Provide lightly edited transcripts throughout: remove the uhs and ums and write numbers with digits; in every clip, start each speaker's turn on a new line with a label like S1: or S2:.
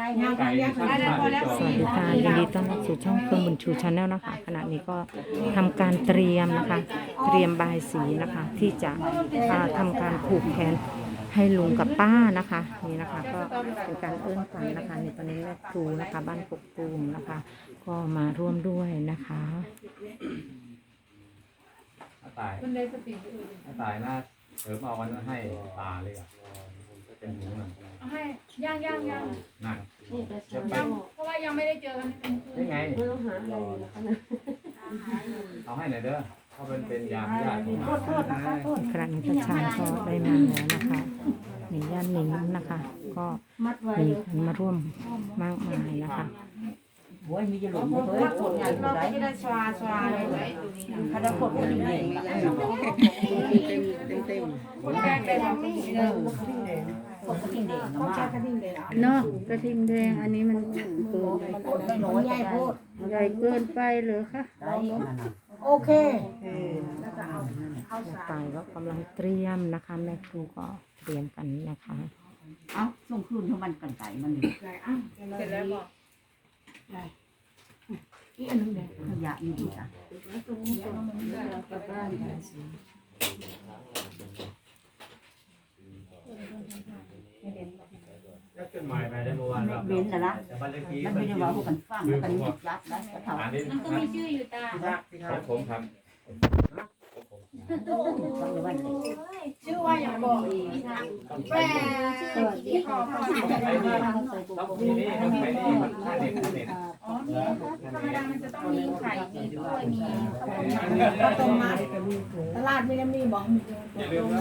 S1: สวัสดีค่ะยินดีต้อนรับสู่ช่องเฟื่องบุญชูชาแนลนะคะขณะนี้ก็ทำการเตรียมนะคะเตรียมบายสีนะคะที่จะทำการผูกแขนให้ลุงกับป้านะคะนี่นะคะก็เป็นการเอื้อนขวัญนะคะในตอนนี้แม่ครูนะคะบ้านกกตูมนะคะก็มาร่วมด้วยนะคะ
S2: ตายน่าเสริมเอาวันนั้นให้ตาเลยอ่ะเป็นหมูหนัง
S3: ให้ย่าง
S2: หนัง
S3: เพราะว่ายังไม่ได้เจอกัน
S2: นี่ไงเอาให้หน่อยเด้อเขาเป็นยามญาติของเรา
S1: ครั้งนี้ประชาชนได้มาแล้วนะคะมีญาติหนิงนะคะก็มีคนมาร่วมมากมายนะคะ
S4: โอ้ยมีจะหลุดเลยฝนใหญ่เราไม่ได้ชวาเลยเขาได้ฝนมันเองเต็ม
S5: เนาะกระทิงแดงอันนี้มันเกิน
S4: มันใหญ่โพด
S5: ใหญ่เกินไปหรือคะ
S4: โอเค
S1: ไปก็กำลังเตรียมนะคะแม่ครูก็เตรียมกันนะคะ
S4: เอ้าส่งคืนเท่ามันกันไก่มัน
S3: เสร็จแล้วบอก
S4: อีอันนึงเลยขยะอยู่ดีอ่ะ
S2: ขึ้นหมายไปได้เมื่อวานแบบ
S4: เบนแต่ละมันไม่ได้ว่าพวกกันฟังกันหมดรัดแล้วเขา
S3: มันก็มีชื่ออยู่ตา
S2: ผมครับ
S3: ชื่อว่าอย่างบอกแม่ที่ขอขอ
S2: ต้องมีนี่ต้องไปนี่ท่าเน็ต
S3: อ๋อนี่ธรรมดามันจะต้องมีไข่มีกล้วยมี
S4: ข้าวต้มมัดตลาดไม่ได้มีบอก
S2: อย่าลืมว่า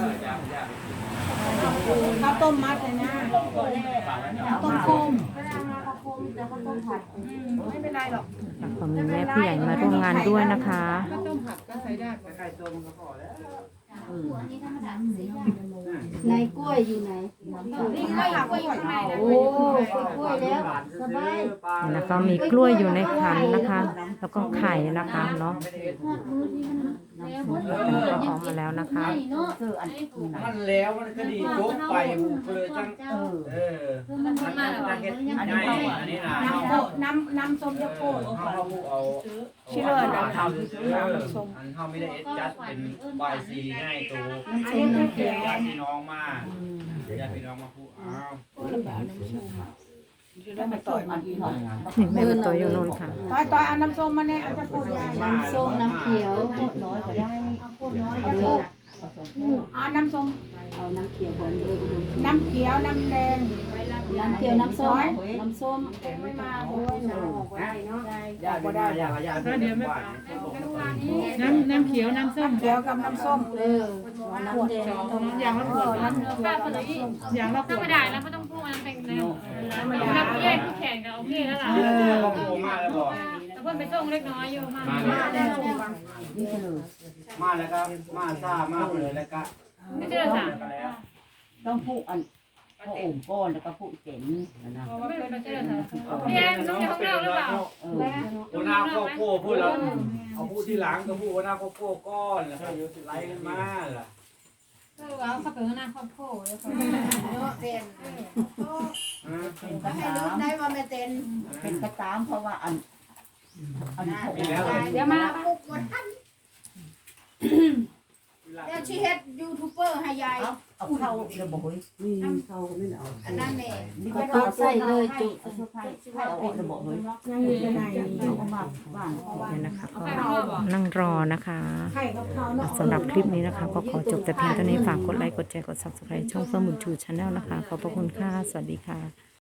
S4: ข้าวต้มมัดเลยนะต้มคม
S3: ไม่เป็นไรหรอก
S1: ขอมีแม่ผู้ใหญ่มาร่วมงานด้วยนะคะ
S3: ก็ต้มผักก็ใส่ได้ไข่ต้มก็พอแล้ว
S5: ในกล้วยอยู่ไหน
S3: นี่กล้วยอยู่ข้างในนะ
S5: โอ้กล้วยแล้วสบาย
S1: แล้วก็มีกล้วยอยู่ในขันนะคะแล้วก็ไข่นะคะเนาะก็ออกมาแล้วนะคะ
S2: มันแล้วมันก็ดียกไปเลยจัง
S3: มันมา
S2: อันนี้
S4: น้ำส้มยาโก้
S2: เอา
S4: ชิเลอร์
S2: ทำอันเขาไม่ได้จัดเป็นใบซีง่ายตัวญาติพี่น้องมาญาติพี่น้องมาพูดอ้าว
S4: แล้วมาต่อยมันหน่อย
S1: แม่มาต่อยอยู่โน่นค่ะ
S4: ต่อยเอาน้ำส้มมาเนี่ยเอาจะพูด
S5: น้ำส้มน้ำเขียวน้อยก็ได้
S4: เอาน้ำส้ม
S5: เอาน้ำเขียวก่อนเลย
S4: น้ำเขียวน้ำแดง
S5: น้ำเขียวน้ำส้มน้ำส้ม
S4: ไม่มาด้วยเนาะ
S2: ญาติได้ญาติเดี๋ยวไม่
S3: น้ำเขียวน้ำส้ม
S4: เขียวกับน้ำส้ม
S5: น้ำแดง
S3: อย่างละขวดป้าคนละอย่างละขวดธรรมดาแล้วไม่ต้องพูดมันเป็นน้ำแยกที่แข่งกับโอเคแล้วล่ะแล้วเพื่อนไปส่งเล็กน้อยอยู่
S2: มาแล้วครับมาซ่ามากเลยแล้วก็
S3: ไม่เจอสั่ง
S4: ต้องพูดอันพระองค์ก้อนแล้วก็พูดเจ๋งนะ
S3: ไม่เจอสั่งพี่แอนต้องอยู่ข้างนอกหรือเปล่า
S2: หัวหน้าครอบครัวพูดแล้วเอาพูดที่หลังก็พูดหัวหน้าครอบครัวก้อนแล้วก็อยู่ไล่กันมาล่ะ
S3: ว่าเขาเป็นหัวหน้าครอบครัวแล้วเขา
S4: เป็นให้รู้ได้ว่าไม่เป็นกระตามเพราะว่าอัน
S3: เดี๋ยวมา
S4: ปุกวันทันเดี๋ยวชีเฮ็ดยูทูบเบอร์ให้ยายเอาเข้าระบบเข้าไม่เอาอันนั้นแหละ
S5: นี่ก็ใส่เลยจุ
S4: ให้เอาระบบเลยยังอยู่ในเอามาบ้าน
S1: เนี่ยนะคะก็นั่งรอนะคะสำหรับคลิปนี้นะคะก็ขอจบแต่เพียงเท่านี้ฝากกดไลค์กดแชร์กด Subscribe ช่องเฟื่องบุญชูชาแนลนะคะขอบพระคุณค่ะสวัสดีค่ะ